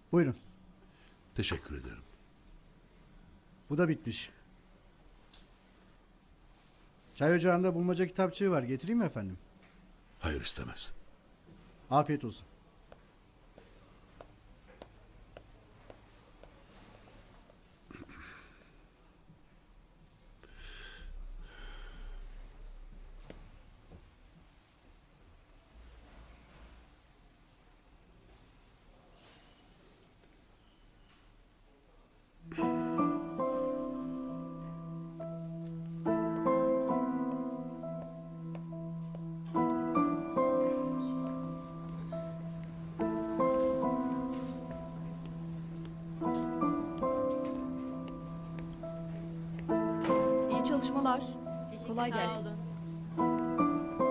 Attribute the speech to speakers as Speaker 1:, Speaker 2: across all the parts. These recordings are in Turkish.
Speaker 1: Buyurun.
Speaker 2: Teşekkür ederim.
Speaker 1: Bu da bitmiş. Çay ocağında bulmaca kitapçığı var. Getireyim mi efendim?
Speaker 2: Hayır istemez.
Speaker 1: Afiyet olsun.
Speaker 3: İyi çalışmalar. Kolay
Speaker 4: Sağ
Speaker 3: gelsin.
Speaker 4: olun.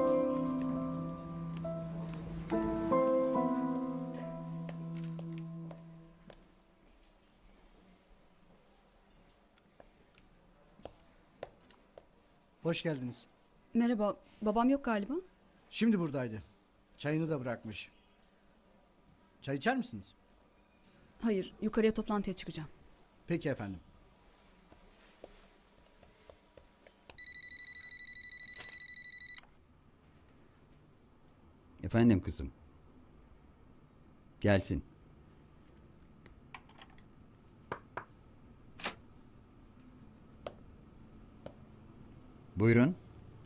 Speaker 1: Hoş geldiniz.
Speaker 3: Merhaba. Babam yok galiba.
Speaker 1: Şimdi buradaydı. Çayını da bırakmış. Çay içer misiniz?
Speaker 3: Hayır. Yukarıya toplantıya çıkacağım.
Speaker 1: Peki efendim.
Speaker 5: Efendim kızım. Gelsin. Buyurun.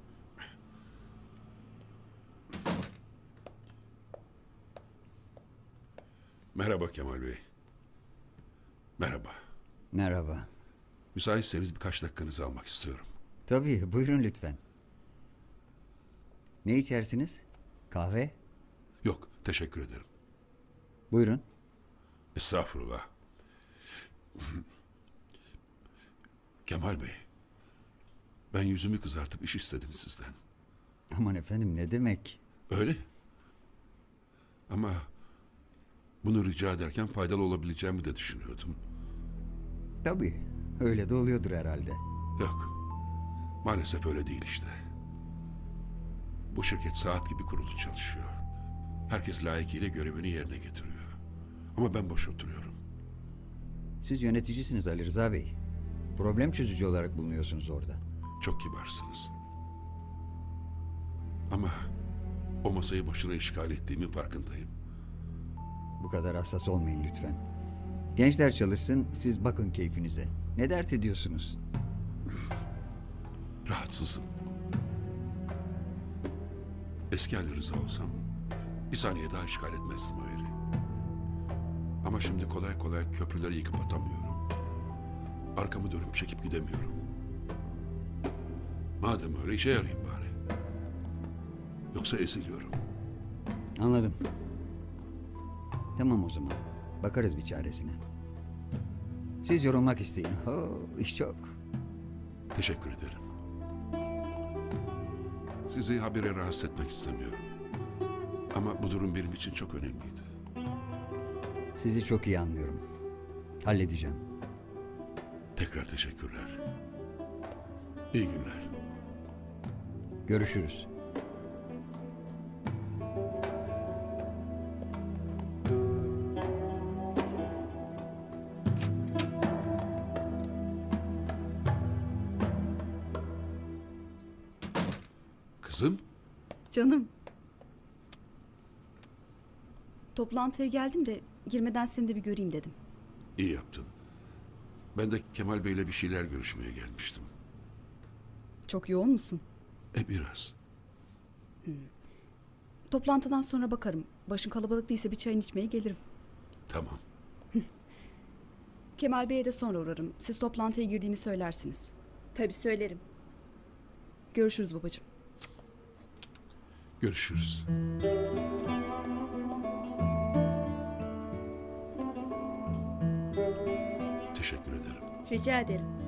Speaker 2: Merhaba Kemal Bey. Merhaba.
Speaker 5: Merhaba.
Speaker 2: Müsaitseniz birkaç dakikanızı almak istiyorum.
Speaker 5: Tabii buyurun lütfen. Ne içersiniz? Kahve?
Speaker 2: Yok, teşekkür ederim.
Speaker 5: Buyurun.
Speaker 2: Estağfurullah. Kemal Bey, ben yüzümü kızartıp iş istedim sizden.
Speaker 5: Aman efendim ne demek?
Speaker 2: Öyle. Ama bunu rica ederken faydalı olabileceğimi de düşünüyordum.
Speaker 5: Tabii öyle de oluyordur herhalde.
Speaker 2: Yok, maalesef öyle değil işte. Bu şirket saat gibi kurulu çalışıyor. Herkes layıkıyla görevini yerine getiriyor. Ama ben boş oturuyorum.
Speaker 5: Siz yöneticisiniz Ali Rıza Bey. Problem çözücü olarak bulunuyorsunuz orada.
Speaker 2: Çok kibarsınız. Ama o masayı boşuna işgal ettiğimin farkındayım.
Speaker 5: Bu kadar hassas olmayın lütfen. Gençler çalışsın, siz bakın keyfinize. Ne dert ediyorsunuz?
Speaker 2: Rahatsızım. Eski Ali Rıza olsam bir saniye daha işgal etmezdim o yeri. Ama şimdi kolay kolay köprüleri yıkıp atamıyorum. Arkamı dönüp çekip gidemiyorum. Madem öyle işe yarayayım bari. Yoksa eziliyorum.
Speaker 5: Anladım. Tamam o zaman. Bakarız bir çaresine. Siz yorulmak isteyin. İş çok.
Speaker 2: Teşekkür ederim. Sizi habire rahatsız etmek istemiyorum. Ama bu durum benim için çok önemliydi.
Speaker 5: Sizi çok iyi anlıyorum. Halledeceğim.
Speaker 2: Tekrar teşekkürler. İyi günler.
Speaker 5: Görüşürüz.
Speaker 2: Kızım,
Speaker 3: Canım. Toplantıya geldim de girmeden seni de bir göreyim dedim.
Speaker 2: iyi yaptın. Ben de Kemal Bey'le bir şeyler görüşmeye gelmiştim.
Speaker 3: Çok yoğun musun?
Speaker 2: Biraz.
Speaker 3: Toplantıdan sonra bakarım. Başın kalabalık değilse bir çayını içmeye gelirim.
Speaker 2: Tamam.
Speaker 3: Kemal Bey'e de sonra uğrarım. Siz toplantıya girdiğimi söylersiniz.
Speaker 4: Tabii söylerim.
Speaker 3: Görüşürüz babacığım.
Speaker 2: Görüşürüz. Teşekkür ederim.
Speaker 4: Rica ederim.